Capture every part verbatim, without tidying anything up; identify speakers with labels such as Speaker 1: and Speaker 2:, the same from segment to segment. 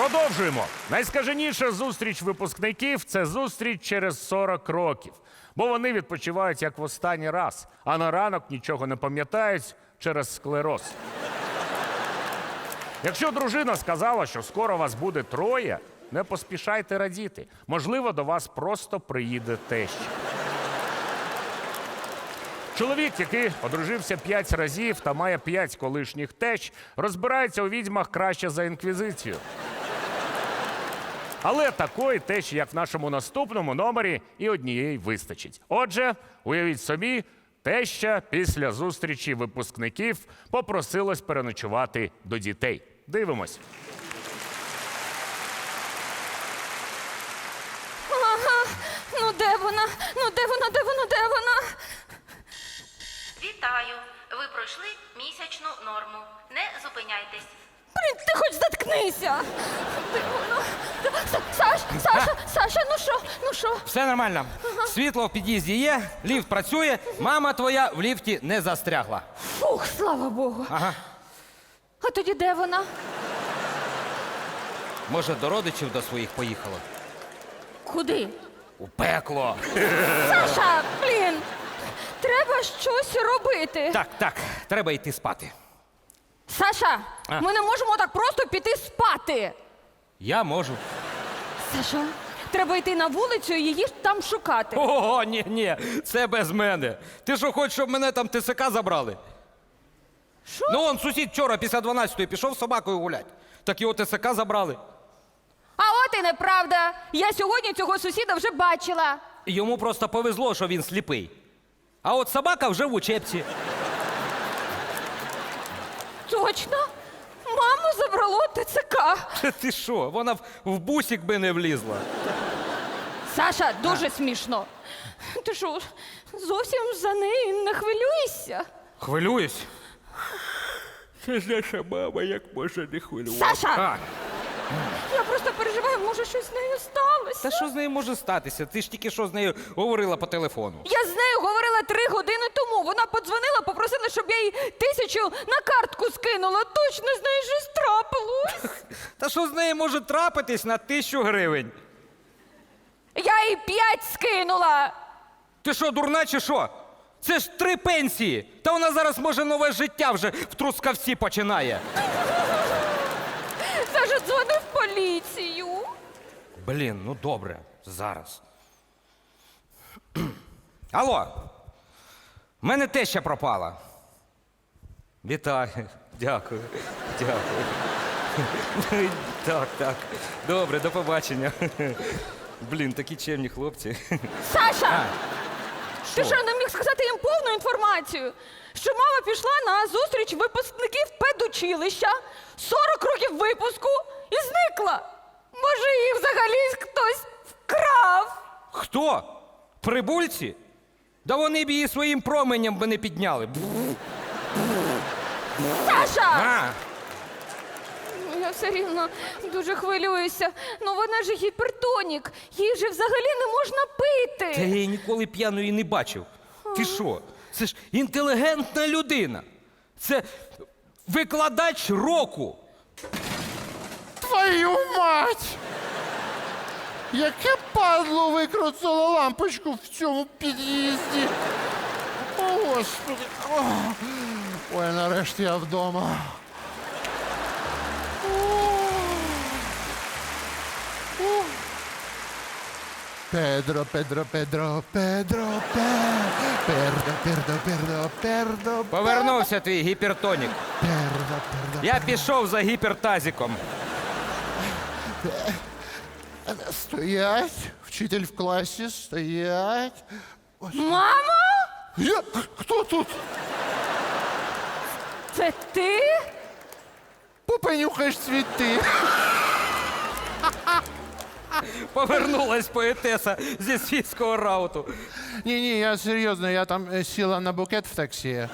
Speaker 1: Продовжуємо. Найскаженіша зустріч випускників – це зустріч через сорок років. Бо вони відпочивають як в останній раз, а на ранок нічого не пам'ятають через склероз. Якщо дружина сказала, що скоро вас буде троє, не поспішайте радіти. Можливо, до вас просто приїде теща. Чоловік, який одружився п'ять разів та має п'ять колишніх тещ, розбирається у відьмах краще за інквізицію. Але такої тещі, як в нашому наступному номері, і однієї вистачить. Отже, уявіть собі, теща після зустрічі випускників попросилась переночувати до дітей. Дивимось.
Speaker 2: Ага, ну де вона? Ну де вона, де вона, де вона?
Speaker 3: Вітаю! Ви пройшли місячну норму. Не зупиняйтесь.
Speaker 2: Блін, ти хоч заткнися! Де вона? Са- Саш, Саша, Саша, ну що, ну що?
Speaker 4: Все нормально. Світло в під'їзді є, ліфт працює, мама твоя в ліфті не застрягла.
Speaker 2: Фух, слава Богу.
Speaker 4: Ага.
Speaker 2: А тоді де вона?
Speaker 4: Може, до родичів до своїх поїхала?
Speaker 2: Куди?
Speaker 4: У пекло.
Speaker 2: Саша, блін! Треба щось робити.
Speaker 4: Так, так, треба йти спати.
Speaker 2: Саша,
Speaker 4: А.
Speaker 2: ми не можемо так просто піти спати.
Speaker 4: Я можу.
Speaker 2: Саша, треба йти на вулицю і її там шукати.
Speaker 4: Ого, ні, ні, це без мене. Ти що, хочеш, щоб мене там ТСК забрали?
Speaker 2: Що?
Speaker 4: Ну, он сусід вчора після дванадцятої пішов з собакою гулять. Так його ТСК забрали.
Speaker 2: А от і неправда. Я сьогодні цього сусіда вже бачила.
Speaker 4: Йому просто повезло, що він сліпий. А от собака вже в учебці.
Speaker 2: Точно? Маму забрало ТЦК.
Speaker 4: Ти що, вона в, в бусик би не влізла.
Speaker 2: Саша, дуже смішно. Ти що, зовсім за неї не хвилюєшся?
Speaker 4: Хвилююсь. Це ж наша мама, як може не хвилюватися.
Speaker 2: Саша!
Speaker 4: А,
Speaker 2: Я просто переживаю, може щось з нею сталося.
Speaker 4: та що з нею може статися? Ти ж тільки що з нею говорила по телефону.
Speaker 2: Я з нею говорила три години тому. Вона подзвонила, попросила, щоб я їй тисячу на картку скинула. Точно з нею щось трапилось.
Speaker 4: Та що з нею може трапитись на тисячу гривень?
Speaker 2: Я їй п'ять скинула.
Speaker 4: Ти що, дурна чи що? Це ж три пенсії. Та вона зараз, може, нове життя вже в Трускавці починає.
Speaker 2: Саша дзвонив в поліцію.
Speaker 4: Блін, ну добре, зараз. Алло, в мене теща пропала. Вітаю, дякую, дякую. Так, так, добре, до побачення. Блін, такі чемні хлопці.
Speaker 2: Саша! Ти
Speaker 4: Що?
Speaker 2: що, не міг сказати їм повну інформацію? Що мама пішла на зустріч випускників педучилища, сорок років випуску і зникла. Може, її взагалі хтось вкрав?
Speaker 4: Хто? Прибульці? Да вони б її своїм променем би не підняли.
Speaker 2: Саша!
Speaker 4: А,
Speaker 2: Ну, я все рівно дуже хвилююся. Ну вона ж гіпертонік. Їй же взагалі не можна
Speaker 4: та я
Speaker 2: пити.
Speaker 4: її ніколи п'яною не бачив. Ти що? Це ж інтелігентна людина. Це викладач року.
Speaker 5: Твою мать! Яке падло викрутило лампочку в цьому під'їзді. О, Господи. О. Ой, нарешті я вдома. О. О. Педро, Педро, Педро, Педро, Пе- Пердо, Пердо, Пердо, Пердо,
Speaker 4: Повернувся твій гіпертонік.
Speaker 5: Пердо, Пердо.
Speaker 4: Я пішов за гіпертазиком.
Speaker 5: Стоять, вчитель в класі, стоять.
Speaker 2: Мамо?
Speaker 5: Я? Хто тут?
Speaker 2: Це ти?
Speaker 5: Попенюхаєш цвіти.
Speaker 4: Повернулась поетеса зі світського рауту.
Speaker 5: Ні-ні, я серйозно, я там е, сіла на букет в таксі.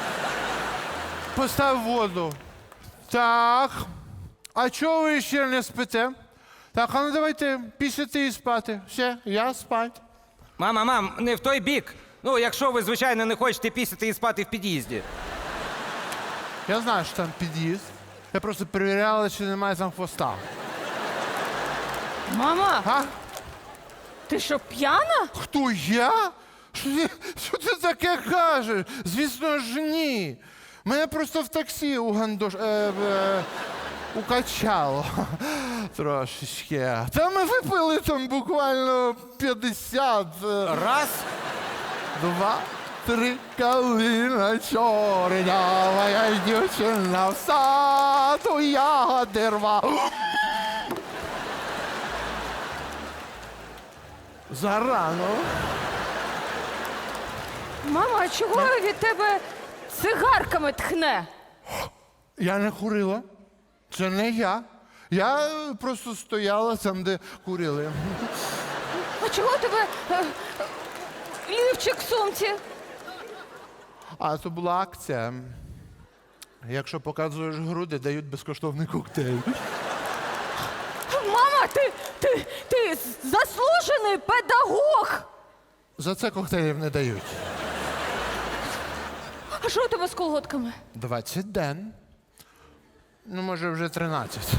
Speaker 5: Постав воду. Так. А чого ви ще не спите? Так, а ну давайте пісяти і спати. Все, я спать.
Speaker 4: Мама, мам, не в той бік. Ну, якщо ви, звичайно, не хочете пісяти і спати в під'їзді.
Speaker 5: Я знаю, що там під'їзд. Я просто перевіряла, чи немає там хвоста.
Speaker 2: Мама,
Speaker 5: А?
Speaker 2: ти що, п'яна?
Speaker 5: Хто я? Що ти, що ти таке кажеш? Звісно ж, ні. Мене просто в таксі у гандош... Е, е, укачало трошечки. Та ми випили там буквально п'ятдесят. е,
Speaker 4: Раз.
Speaker 5: Два, три, калина чорнява, я дівчина в саду ягоди рва. Зарано.
Speaker 2: Мама, а чого від тебе цигарками тхне?
Speaker 5: Я не курила. Це не я. Я е, просто стояла там, де курили.
Speaker 2: А чого у тебе е, лівчик в сумці?
Speaker 5: А це була акція. Якщо показуєш груди, дають безкоштовний коктейль.
Speaker 2: Мама, ти, ти, ти заслужений педагог!
Speaker 5: За це коктейлів не дають.
Speaker 2: А що у тебе з колготками?
Speaker 5: двадцять ден. Ну, може, вже тринадцять.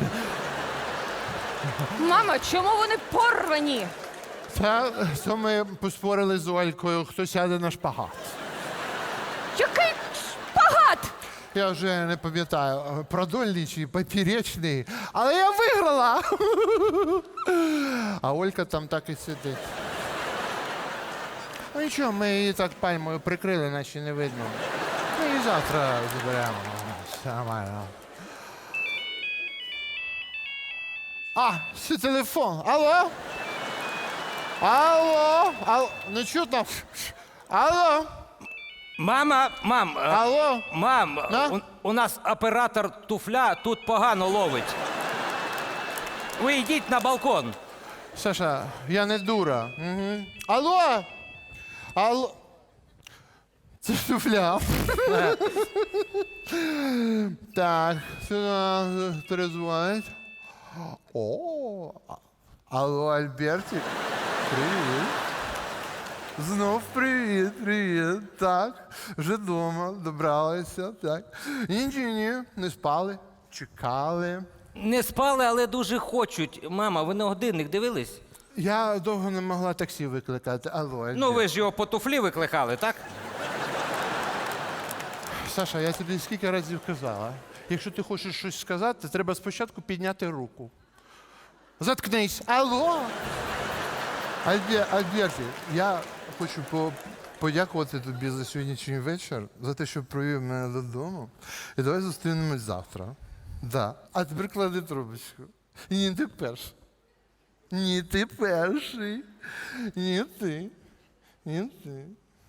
Speaker 2: Мама, чому вони порвані?
Speaker 5: Та то ми поспорили з Олькою, хто сяде на шпагат.
Speaker 2: Який шпагат!
Speaker 5: Я вже не пам'ятаю, продольний чи поперечний, але я виграла. А Олька там так і сидить. Ну нічого, ми її так пальмою прикрили, наче не видно. Ми її завтра заберемо. Все нормально. А, це телефон. Алло? Алло? Алло? Не чутно? Алло?
Speaker 4: Мама, мам, е,
Speaker 5: Алло?
Speaker 4: мам,
Speaker 5: Да?
Speaker 4: у, у нас оператор туфля тут погано ловить. Ви йдіть на балкон.
Speaker 5: Саша, я не дура. Угу. Алло? Алло? Це ж туфля. Так, сюди перезвонить. О, алло, Альбертик. Привіт. Знов привіт, привіт. Так, вже вдома, добралися, так. Ні, ні, ні, не спали, чекали.
Speaker 4: Не спали, але дуже хочуть. Мама, ви на годинник дивились?
Speaker 5: Я довго не могла таксі викликати. Алло, Альберт.
Speaker 4: Ну, ви ж його по туфлі викликали, так?
Speaker 5: Саша, я тобі скільки разів казала. Якщо ти хочеш щось сказати, треба спочатку підняти руку. Заткнись. Алло. Альбе- Альберті, я хочу по- подякувати тобі за сьогоднішній вечір, за те, що провів мене додому. І давай зустрінемось завтра. Да. А тепер клади трубочку. І ні, ти перший. Ні, ти перший. Ні, ти. Ні, ти.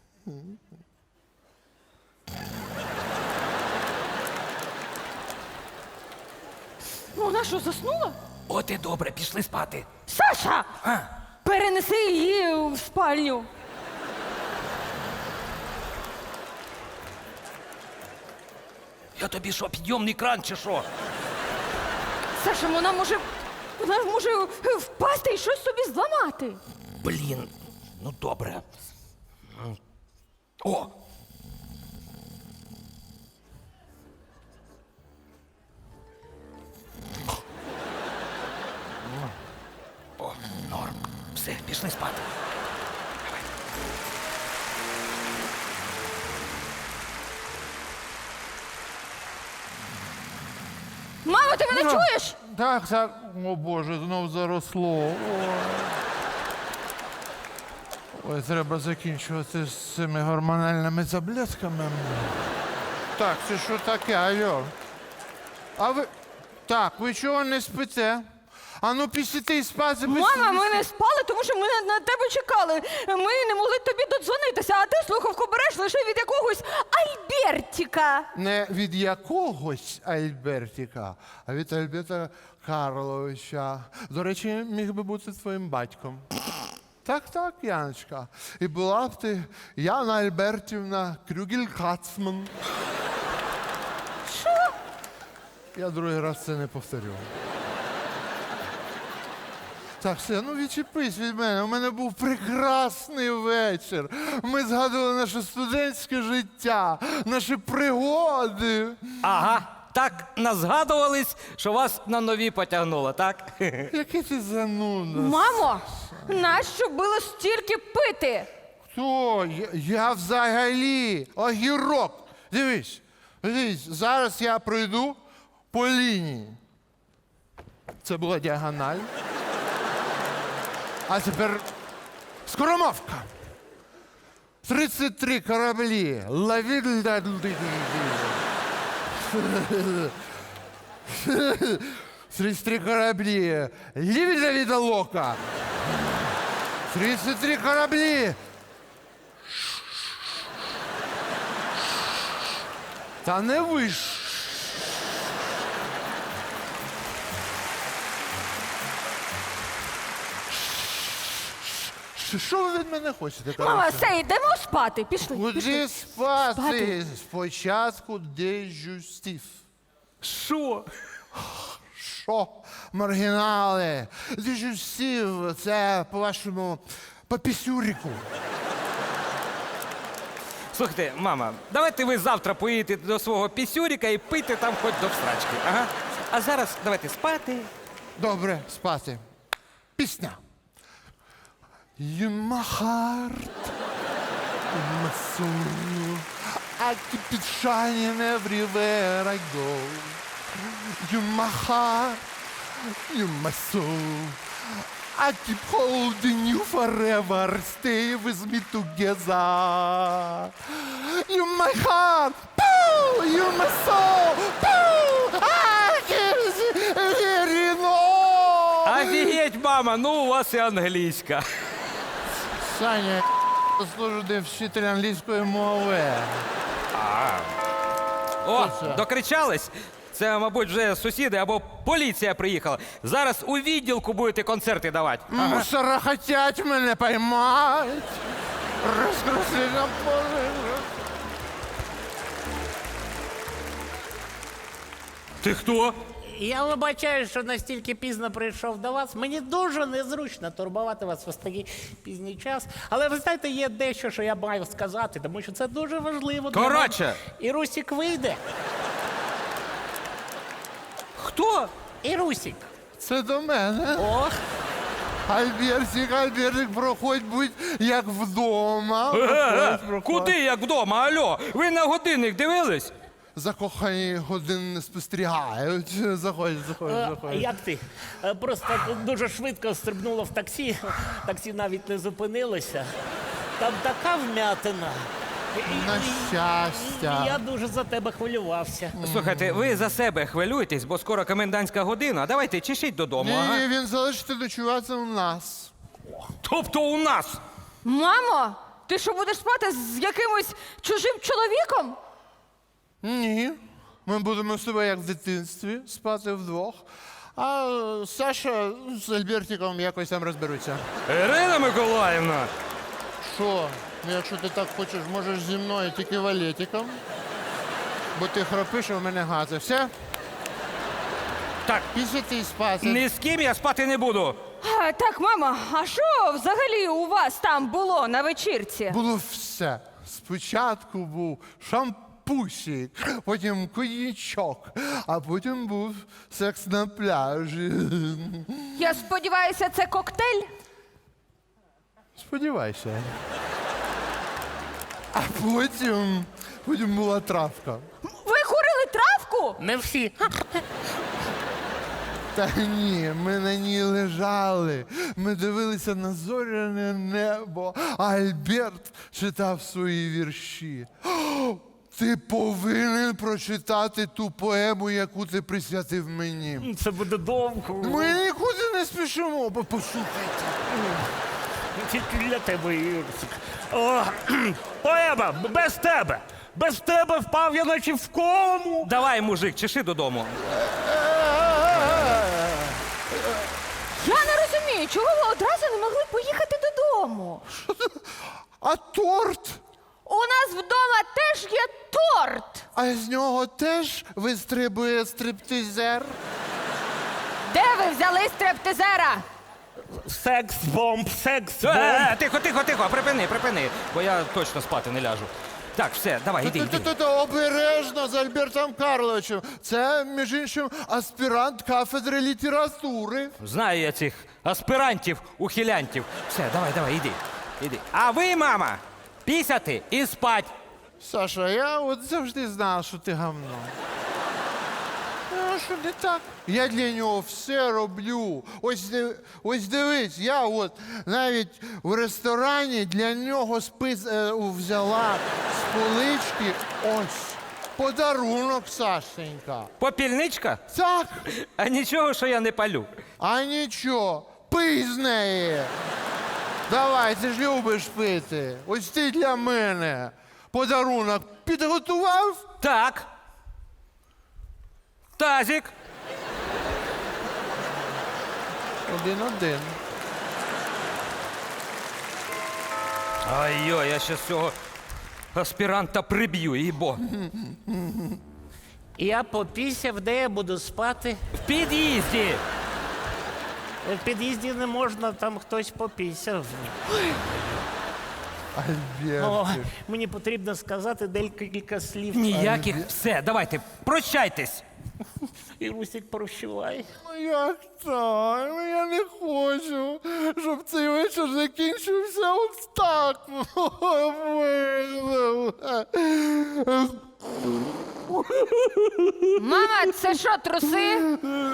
Speaker 2: Ну, вона що, заснула?
Speaker 4: От і добре, пішли спати.
Speaker 2: Саша!
Speaker 4: А,
Speaker 2: Перенеси її в спальню.
Speaker 4: я тобі що, підйомний кран чи що?
Speaker 2: Саша, вона може. Вона може впасти і щось собі зламати.
Speaker 4: Блін, ну добре. О! О, норм. Все, пішли спати.
Speaker 2: Мамо, ти мене чуєш?
Speaker 5: Так, так. О Боже, знов заросло. Ой. Ой, треба закінчувати з цими гормональними таблетками. Так, це що таке, алло? А ви. Так, ви чого не спите? А ну після і спати.
Speaker 2: Мама, ми не спали, тому що ми на, на тебе чекали. Ми не могли тобі додзвонитися, а ти слухавку береш лише від якогось Альбертіка.
Speaker 5: Не від якогось Альбертіка, а від Альберта Карловича. До речі, міг би бути твоїм батьком. Так, так, Яночка. І була б ти Яна Альбертівна Крюгель-Кацман.
Speaker 2: Що?
Speaker 5: Я другий раз це не повторю. Так, все, ну відчепись від мене. У мене був прекрасний вечір. Ми згадували наше студентське життя, наші пригоди.
Speaker 4: Ага, так назгадувались, що вас на нові потягнуло, так?
Speaker 5: Який ти зануда.
Speaker 2: Мамо, нащо було стільки пити?
Speaker 5: Хто? Я, я взагалі огірок. Дивись, дивись, зараз я пройду по лінії. Це була діагональ. А тепер скоромовка. тридцять три кораблі. Лові... тридцять три кораблі. Лівіда від лока. тридцять три кораблі. Та не виш. Що ви від мене хочете?
Speaker 2: Мама,
Speaker 5: коротше?
Speaker 2: все, йдемо спати. Пішли. пішли.
Speaker 5: Куди спати?
Speaker 2: Спати.
Speaker 5: Спочатку дежустів.
Speaker 4: Що?
Speaker 5: Що? Маргінали. Дежустів, це, по-вашому, по пісюріку.
Speaker 4: Слухайте, мама, давайте ви завтра поїдете до свого пісюріка і пийте там хоч до всрачки. Ага. А зараз давайте спати.
Speaker 5: Добре, спати. Пісня. You my heart, you my soul. I keep it shining everywhere I go. You my heart, you my soul. I keep holding you forever. Stay with me together. You my heart, poo, you my soul, poo. I can't hear you no.
Speaker 4: Офігеть, мама, ну у вас і англійська.
Speaker 5: Саня, я служу де вчитель англійської мови.
Speaker 4: О,
Speaker 5: Що це?
Speaker 4: докричались? Це, мабуть, вже сусіди або поліція приїхала. Зараз у відділку будете концерти давати.
Speaker 5: Мусора хотять мене поймать. Розкрусли на поле.
Speaker 4: Ти хто?
Speaker 6: Я вибачаю, що настільки пізно прийшов до вас. Мені дуже незручно турбувати вас в такий пізній час. Але ви знаєте, є дещо, що я маю сказати, тому що це дуже важливо. для
Speaker 4: Коротше.
Speaker 6: мене. І Русік вийде.
Speaker 4: Хто?
Speaker 6: І Русік.
Speaker 5: Це до мене.
Speaker 6: Ох,
Speaker 5: Альбертик, Альбертик, проходь, будь як вдома.
Speaker 4: Е-е-е,
Speaker 5: Проходь, проходь.
Speaker 4: куди як вдома? Альо, ви на годинник дивились?
Speaker 5: Закохані годин не спостерігають. Заходь, заходь,
Speaker 6: е,
Speaker 5: заходь.
Speaker 6: як ти? Е, Просто дуже швидко стрибнуло в таксі. Таксі навіть не зупинилося. Там така вмятина. І-
Speaker 5: На
Speaker 6: і-
Speaker 5: щастя.
Speaker 6: і Я дуже за тебе хвилювався.
Speaker 4: Слухайте, ви за себе хвилюєтесь, бо скоро комендантська година. Давайте чешіть додому.
Speaker 5: Ні,
Speaker 4: Ага.
Speaker 5: ні, він залишиться ночувати у нас.
Speaker 4: Тобто у нас.
Speaker 2: Мамо, ти що будеш спати з якимось чужим чоловіком?
Speaker 5: Ні. Ми будемо з тобою як в дитинстві спати вдвох. А е, Саша з Альбертиком якось там розберуться.
Speaker 4: Ірина Миколаївна.
Speaker 5: Що? Ну, якщо ти так хочеш, можеш зі мною тільки валетиком. Бо ти храпиш, а в мене гази. Все?
Speaker 4: Так,
Speaker 5: Після ти спати.
Speaker 4: ні з ким я спати не буду.
Speaker 2: А, так, мама, а що взагалі у вас там було на вечірці?
Speaker 5: Було все. Спочатку був шампусик, потім коньячок, а потім був секс на пляжі.
Speaker 2: Я сподіваюся, це коктейль?
Speaker 5: Сподівайся. А потім, потім була травка.
Speaker 2: Ви курили травку?
Speaker 6: Не всі.
Speaker 5: Та ні, ми на ній лежали. Ми дивилися на зоряне небо, а Альберт читав свої вірші. О, ти повинен прочитати ту поему, яку ти присвятив мені.
Speaker 6: Це буде довго.
Speaker 5: Ми нікуди не спішимо, бо послухайте.
Speaker 6: Тільки для тебе, Юрсик.
Speaker 1: О, поема, без тебе. Без тебе впав я наче в кому.
Speaker 4: Давай, мужик, чеши додому.
Speaker 2: Я не розумію, чого ви одразу не могли поїхати додому?
Speaker 5: А торт?
Speaker 2: У нас вдома теж є торт.
Speaker 5: А з нього теж вистрибує стриптизер?
Speaker 2: Де ви взяли стриптизера?
Speaker 6: Секс-бомб, секс-бомб.
Speaker 4: Е, е, тихо, тихо, тихо, припини, припини, бо я точно спати не ляжу. Так, все, давай, іди, іди.
Speaker 5: Та-та-та, обережно з Альбертом Карловичем. Це, між іншим, аспірант кафедри літератури.
Speaker 4: Знаю я цих аспірантів, ухилянтів. Все, давай, давай, іди. Іди. А ви, мама, пісяти і спать.
Speaker 5: Саша, я от завжди знав, що ти гавно. Ну, що не так? Я для нього все роблю. Ось, див- ось дивись, я от навіть в ресторані для нього спис е, взяла з полички ось подарунок, Сашенька.
Speaker 4: Попільничка?
Speaker 5: Так,
Speaker 4: А нічого, що я не палю.
Speaker 5: а нічого, пий з неї. Давай, ти ж любиш пити. Ось ти для мене подарунок підготував?
Speaker 4: Так. Тазик.
Speaker 5: Один-один.
Speaker 4: Ай-йо, я ще цього аспіранта приб'ю, їбо.
Speaker 6: Я попісяв, де я буду спати.
Speaker 4: В під'їзді.
Speaker 6: В під'їзді не можна, там хтось попісяв. О,
Speaker 5: Альбертик.
Speaker 6: мені потрібно сказати декілька слів.
Speaker 4: Ніяких. Все, давайте, прощайтесь.
Speaker 6: І Русік прощувай.
Speaker 5: Ну як так? Ну я не хочу, щоб цей вечір закінчився ось так.
Speaker 2: Мама, це що, труси?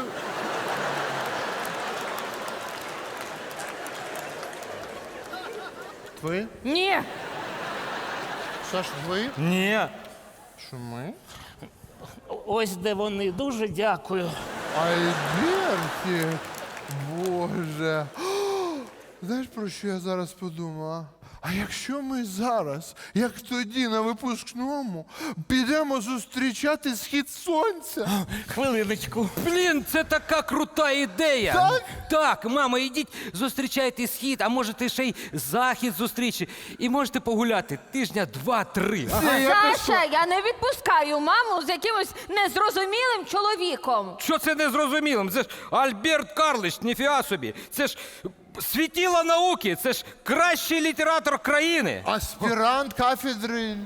Speaker 5: Твої?
Speaker 2: Ні.
Speaker 5: Саш, твої?
Speaker 4: Ні.
Speaker 5: Що ми?
Speaker 6: Ось де вони. Дуже дякую.
Speaker 5: Альбертик, Боже. Знаєш, про що я зараз подумала? А якщо ми зараз, як тоді на випускному, підемо зустрічати схід сонця?
Speaker 6: Хвилиночку.
Speaker 4: Блін, це така крута ідея.
Speaker 5: Так?
Speaker 4: Так, мама, ідіть, зустрічайте схід, а можете ще й захід зустрічі. І можете погуляти тижня два-три.
Speaker 5: Це якось-
Speaker 2: Саша, я не відпускаю маму з якимось незрозумілим чоловіком.
Speaker 4: Що це незрозумілим? Це ж Альберт Карлович, ніфіга собі. Це ж світіло науки, це ж кращий літератор країни.
Speaker 5: Аспірант кафедри. літератури.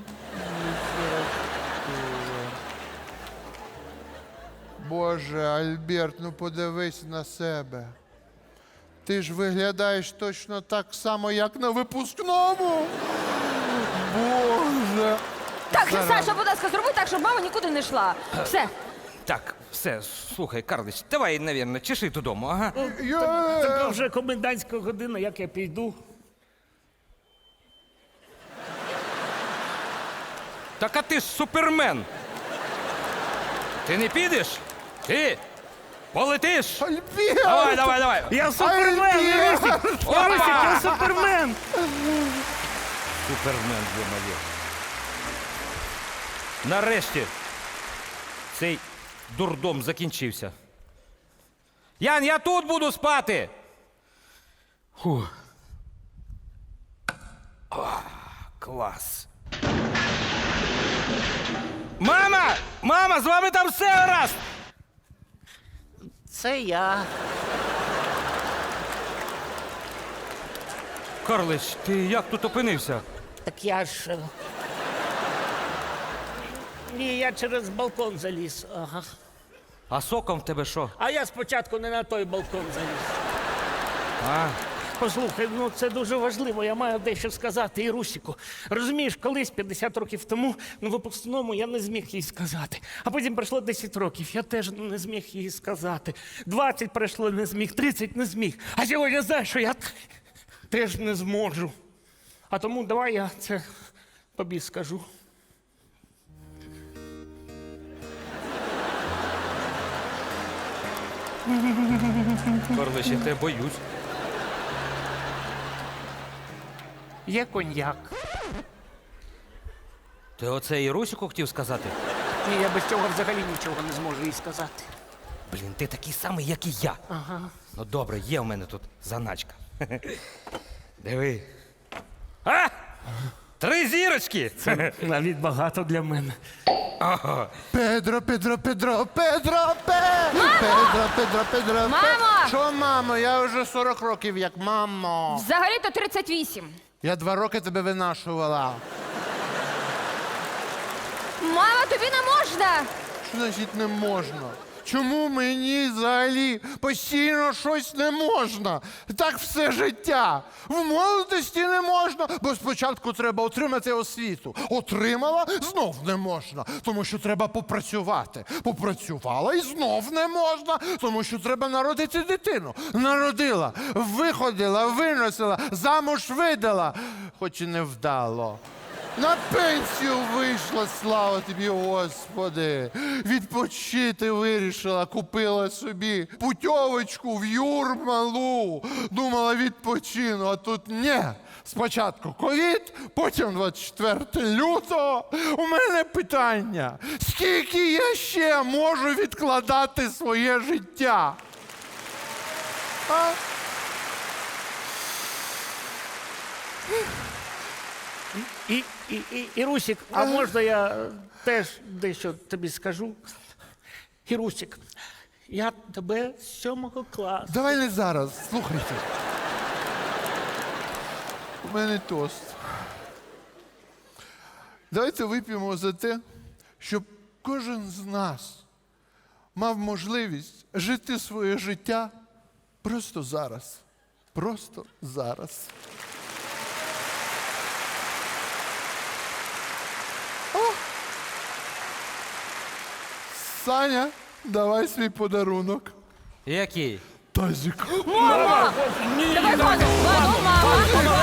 Speaker 5: Боже, Альберт, ну подивись на себе. Ти ж виглядаєш точно так само, як на випускному. Боже.
Speaker 2: Так,
Speaker 5: Зараз.
Speaker 2: Саша, будь ласка, зроби так, щоб мама нікуди не йшла. Все.
Speaker 4: Так, все, слухай, Карлович, давай, навірно, чеши додому, ага.
Speaker 5: Я...
Speaker 6: Така вже комендантська година, як я піду.
Speaker 4: Так а ти ж супермен. Ти не підеш? Ти полетиш?
Speaker 5: Альберт!
Speaker 4: Давай, давай, давай.
Speaker 6: Я супермен,
Speaker 5: Альберт!
Speaker 6: Русік!
Speaker 4: Опа!
Speaker 6: Русік, я супермен!
Speaker 4: Супермен, є-моє. Нарешті цей дурдом закінчився. Ян, я тут буду спати. Фу. О, клас. Мама! Мама, з вами там все гаразд!
Speaker 6: Це я.
Speaker 4: Карлич, ти як тут опинився?
Speaker 6: Так я ж. е, Ні, я через балкон заліз. Ага.
Speaker 4: А соком в тебе що?
Speaker 6: А я спочатку не на той балкон заліз.
Speaker 4: А,
Speaker 6: Послухай, ну це дуже важливо, я маю дещо сказати і Русіку. Розумієш, колись п'ятдесят років тому на випускному я не зміг їй сказати. А потім пройшло десять років, я теж не зміг їй сказати. двадцять пройшло, не зміг, тридцять не зміг. А сьогодні знаєш, що я теж не зможу. А тому давай я це тобі скажу.
Speaker 4: Карлич, я тебе боюсь.
Speaker 6: Є коньяк.
Speaker 4: Ти оце і Русіку хотів сказати?
Speaker 6: Ні, я без цього взагалі нічого не зможу їй сказати.
Speaker 4: Блін, ти такий самий, як і я.
Speaker 6: Ага.
Speaker 4: Ну добре, є в мене тут заначка. Диви. А! Три зірочки!
Speaker 6: Навіть багато для мене.
Speaker 5: Педро, Педро, Педро, Педро, Пе! Педро, Педро, Педро, Пе!
Speaker 2: Мамо!
Speaker 5: Що, мамо? Я вже сорок років як мамо.
Speaker 2: Взагалі-то тридцять вісім.
Speaker 5: Я два роки тебе винашувала.
Speaker 2: Мама, тобі не можна!
Speaker 5: Що значить не можна? Чому мені взагалі постійно щось не можна? Так все життя. В молодості не можна, бо спочатку треба отримати освіту. Отримала, знов не можна, тому що треба попрацювати. Попрацювала і знов не можна, тому що треба народити дитину. Народила, виходила, виносила, замуж видала, хоч і не вдало. На пенсію вийшла, слава тобі, Господи. Відпочити вирішила, купила собі путьовочку в Юрмалу. Думала, відпочину, а тут ні. Спочатку ковід, потім двадцять четвертого лютого. У мене питання, скільки я ще можу відкладати своє життя? А?
Speaker 6: І, і, і, Ірусік, а можна я е, теж дещо тобі скажу? Ірусік, я тебе з сьомого класу.
Speaker 5: Давай не зараз, слухайте. У мене тост. Давайте вип'ємо за те, щоб кожен з нас мав можливість жити своє життя просто зараз. Просто зараз. О! Саня, давай свій подарунок.
Speaker 4: Який?
Speaker 5: Тазик.
Speaker 2: Мама! Давай вазу! Вазу, мама!